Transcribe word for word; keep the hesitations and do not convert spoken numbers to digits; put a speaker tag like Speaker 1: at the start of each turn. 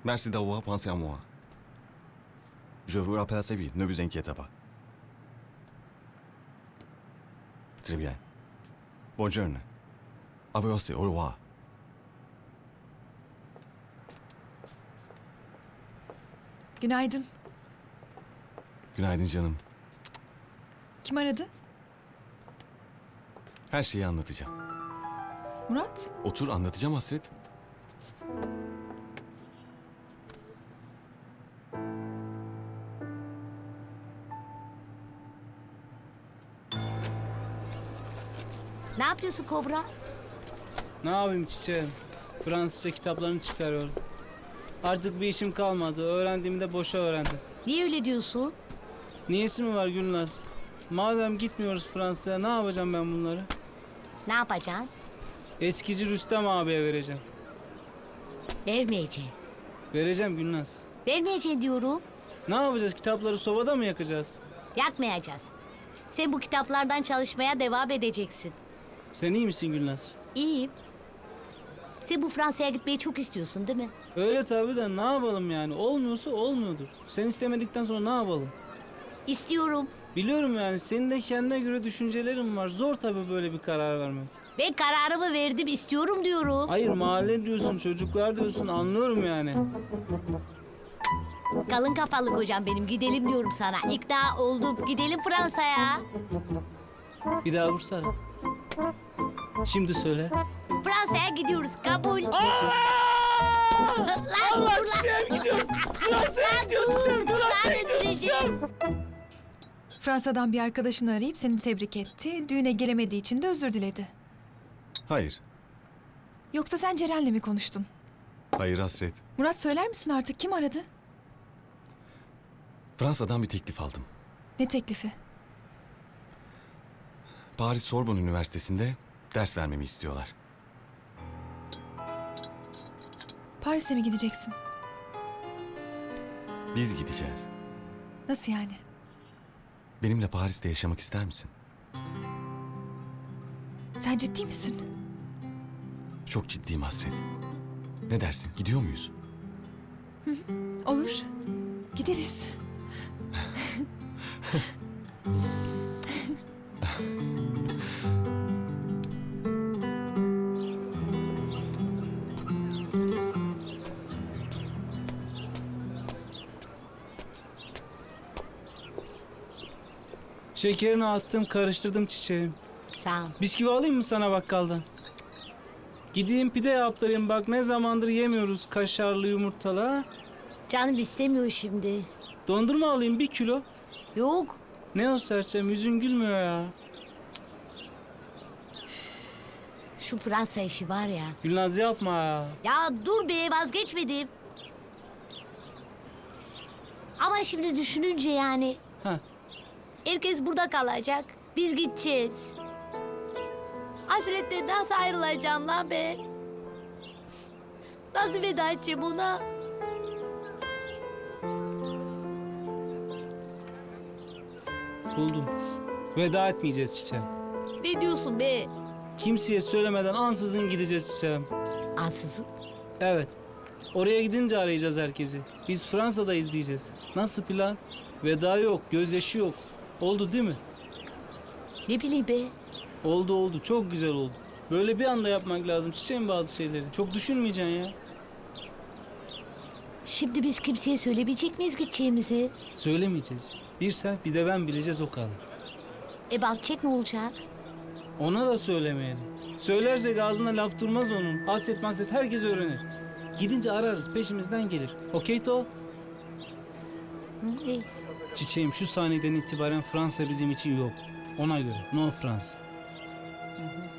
Speaker 1: Merci d'avoir pensé à moi. Je vous rappelle assez vite, ne vous inquiétez pas. Très bien. Bonne journée. À vous aussi, au revoir.
Speaker 2: Günaydın.
Speaker 1: Günaydın canım.
Speaker 2: Kim aradı?
Speaker 1: Her şeyi anlatacağım.
Speaker 2: Murat.
Speaker 1: Otur anlatacağım Hasret.
Speaker 3: Ne yapıyorsun Kobra?
Speaker 4: Ne yapayım çiçeğim? Fransızca kitaplarını çıkarıyorum. Artık bir işim kalmadı. Öğrendiğimi de boşa öğrendim.
Speaker 3: Niye öyle diyorsun?
Speaker 4: Niyesi mi var Gülnaz? Madem gitmiyoruz Fransa'ya ne yapacağım ben bunları?
Speaker 3: Ne yapacaksın?
Speaker 4: Eskici Rüstem abiye vereceğim.
Speaker 3: Vermeyeceğim.
Speaker 4: Vereceğim Gülnaz.
Speaker 3: Vermeyeceğim diyorum.
Speaker 4: Ne yapacağız? Kitapları sobada mı yakacağız?
Speaker 3: Yakmayacağız. Sen bu kitaplardan çalışmaya devam edeceksin.
Speaker 4: Sen iyi misin Gülnaz?
Speaker 3: İyiyim. Sen bu Fransa'ya gitmeyi çok istiyorsun değil mi?
Speaker 4: Öyle tabii de ne yapalım yani? Olmuyorsa olmuyordur. Sen istemedikten sonra ne yapalım?
Speaker 3: İstiyorum.
Speaker 4: Biliyorum yani senin de kendine göre düşüncelerin var. Zor tabii böyle bir karar vermek.
Speaker 3: Ben kararımı verdim, istiyorum diyorum.
Speaker 4: Hayır mahalle diyorsun, çocuklar diyorsun anlıyorum yani.
Speaker 3: Kalın kafalı kocam benim, gidelim diyorum sana. İkna oldum, gidelim Fransa'ya.
Speaker 4: Bir daha vursana. Şimdi söyle.
Speaker 3: Fransa'ya gidiyoruz, kabul. Lan,
Speaker 4: Allah
Speaker 3: dur lan.
Speaker 4: çiçeğim gidiyoruz. Fransa'ya gidiyoruz çiçeğim. Fransa'ya gidiyoruz çiçeğim.
Speaker 2: Fransa'dan bir arkadaşını arayıp seni tebrik etti. Düğüne gelemediği için de özür diledi.
Speaker 1: Hayır.
Speaker 2: Yoksa sen Ceren'le mi konuştun?
Speaker 1: Hayır Hasret.
Speaker 2: Murat söyler misin artık kim aradı?
Speaker 1: Fransa'dan bir teklif aldım.
Speaker 2: Ne teklifi?
Speaker 1: Paris Sorbonne Üniversitesi'nde ders vermemi istiyorlar.
Speaker 2: Paris'e mi gideceksin?
Speaker 1: Biz gideceğiz.
Speaker 2: Nasıl yani?
Speaker 1: Benimle Paris'te yaşamak ister misin?
Speaker 2: Sen ciddi misin?
Speaker 1: Çok ciddiyim Hasret. Ne dersin? Gidiyor muyuz?
Speaker 2: Olur. Gideriz.
Speaker 4: Şekerini attım, karıştırdım çiçeğim.
Speaker 3: Sağ ol.
Speaker 4: Bisküvi alayım mı sana bakkaldan? Gideyim pide yaptırayım bak ne zamandır yemiyoruz kaşarlı yumurtalı ha?
Speaker 3: Canım istemiyor şimdi.
Speaker 4: Dondurma alayım bir kilo.
Speaker 3: Yok.
Speaker 4: Ne o serçem yüzün gülmüyor ya.
Speaker 3: Şu Fransa işi var ya.
Speaker 4: Gülnaz yapma ya.
Speaker 3: Ya dur be, vazgeçmedim. Ama şimdi düşününce yani
Speaker 4: Ha.
Speaker 3: herkes burada kalacak. Biz gideceğiz. Hasretle nasıl ayrılacağım lan ben? Nasıl veda edeceğim ona?
Speaker 4: Buldum. Veda etmeyeceğiz çiçeğim.
Speaker 3: Ne diyorsun be?
Speaker 4: Kimseye söylemeden ansızın gideceğiz çiçeğim.
Speaker 3: Ansızın.
Speaker 4: Evet. Oraya gidince arayacağız herkesi. Biz Fransa'dayız diyeceğiz. Nasıl plan? Veda yok, gözyaşı yok. Oldu değil mi?
Speaker 3: Ne bileyim be?
Speaker 4: Oldu oldu. Çok güzel oldu. Böyle bir anda yapmak lazım çiçeğim bazı şeyleri. Çok düşünmeyeceksin ya.
Speaker 3: Şimdi biz kimseye söylemeyecek miyiz gideceğimizi?
Speaker 4: Söylemeyeceğiz. Bir sen bir de ben bileceğiz o kadar.
Speaker 3: E Balçek ne olacak?
Speaker 4: Ona da söylemeyelim. Söylersek ağzına laf durmaz onun. Hasret mahset herkes öğrenir. Gidince ararız peşimizden gelir. Okey to?
Speaker 3: Hı, e,
Speaker 4: Çiçeğim şu saniyeden itibaren Fransa bizim için yok. Ona göre no Fransa.